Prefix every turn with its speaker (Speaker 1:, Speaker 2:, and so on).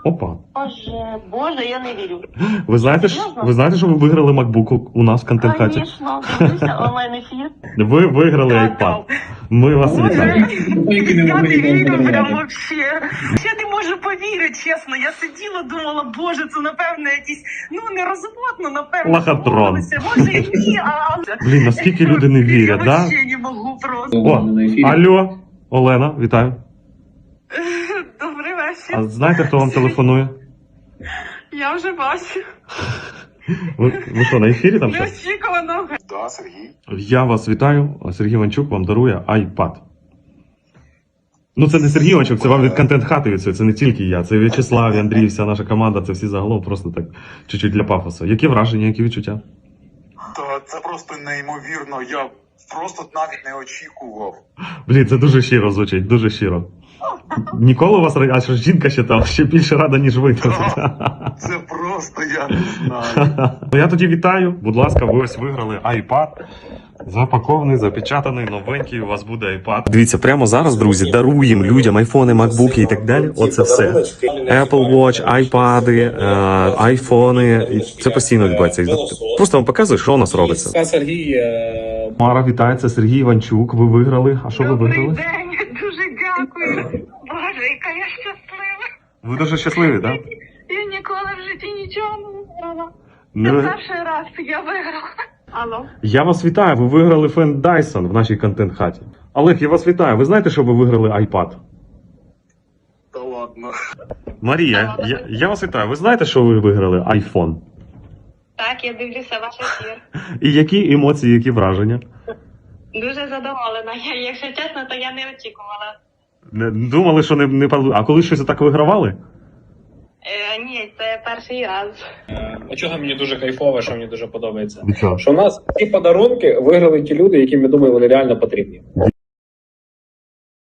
Speaker 1: Опа.
Speaker 2: Боже, я не вірю.
Speaker 1: Ви знаєте, що ви виграли MacBook у нас в контент-хаті?
Speaker 2: Звісно, дивлюся онлайн-ефір.
Speaker 1: Ви виграли iPad. Ми вас вітаємо.
Speaker 2: Я не вірю прям вообще. Я не можу повірити, чесно. Я сиділа, думала, боже, це напевно якісь, нерозумно, напевно.
Speaker 1: Лохотрон.
Speaker 2: домовилися. Може і ні, а...
Speaker 1: Блін, наскільки люди не вірять,
Speaker 2: Я
Speaker 1: да?
Speaker 2: вообще не можу просто.
Speaker 1: О, алло, Олена, вітаю.
Speaker 2: Добрий вечір.
Speaker 1: А знаєте, хто вам телефонує?
Speaker 2: Я вже бачу.
Speaker 1: Ви що, на ефірі там ще?
Speaker 2: Неочікувано.
Speaker 3: Да, Сергій.
Speaker 1: Я вас вітаю. Сергій Іванчук вам дарує iPad. Ну, це не Сергій Іванчук, це вам від контент-хати від цього. Це не тільки я. Це В'ячеслав, Андрій, вся наша команда, це всі загалом просто так чуть-чуть для пафосу. Які враження, які відчуття?
Speaker 3: Та це просто неймовірно. Я просто навіть не очікував.
Speaker 1: Блін, це дуже щиро звучить, дуже щиро. Ніколи у вас, а що жінка ще там, ще більше рада, ніж ви.
Speaker 3: Це просто я не знаю.
Speaker 1: Я тоді вітаю. Будь ласка, ви ось виграли iPad. Запакований, запечатаний, новенький, у вас буде iPad. Дивіться, прямо зараз, друзі, даруємо людям айфони, макбуки і так далі. Оце все. Apple Watch, iPad, айфони. Це постійно відбувається. Просто вам показую, що у нас робиться.
Speaker 4: Сергій.
Speaker 1: Мара, вітається, Сергій Іванчук. Ви виграли. А що ви
Speaker 2: Добрий
Speaker 1: виграли?
Speaker 2: день, дуже дякую. Боже, яка я щаслива.
Speaker 1: Ви дуже щасливі, так?
Speaker 2: Я ніколи в житті нічого не виграла.
Speaker 1: Да?
Speaker 2: Це перший раз я виграла. Алло.
Speaker 1: Я вас вітаю, ви виграли фен Dyson в нашій контент-хаті. Олег, я вас вітаю. Ви знаєте, що ви виграли iPad?
Speaker 3: Та ладно.
Speaker 1: Марія, я вас вітаю. Ви знаєте, що ви виграли iPhone?
Speaker 2: Так, я дивлюся ваш ефір.
Speaker 1: І які емоції, які враження?
Speaker 2: Дуже задоволена. Якщо чесно, то я не очікувала.
Speaker 1: Не думали, що не А коли щось так вигравали?
Speaker 2: Ні, це перший раз.
Speaker 4: А чого мені дуже кайфово, що мені дуже подобається?
Speaker 1: Від чого?
Speaker 4: Що у нас ці подарунки виграли ті люди, яким, я думаю, вони реально потрібні.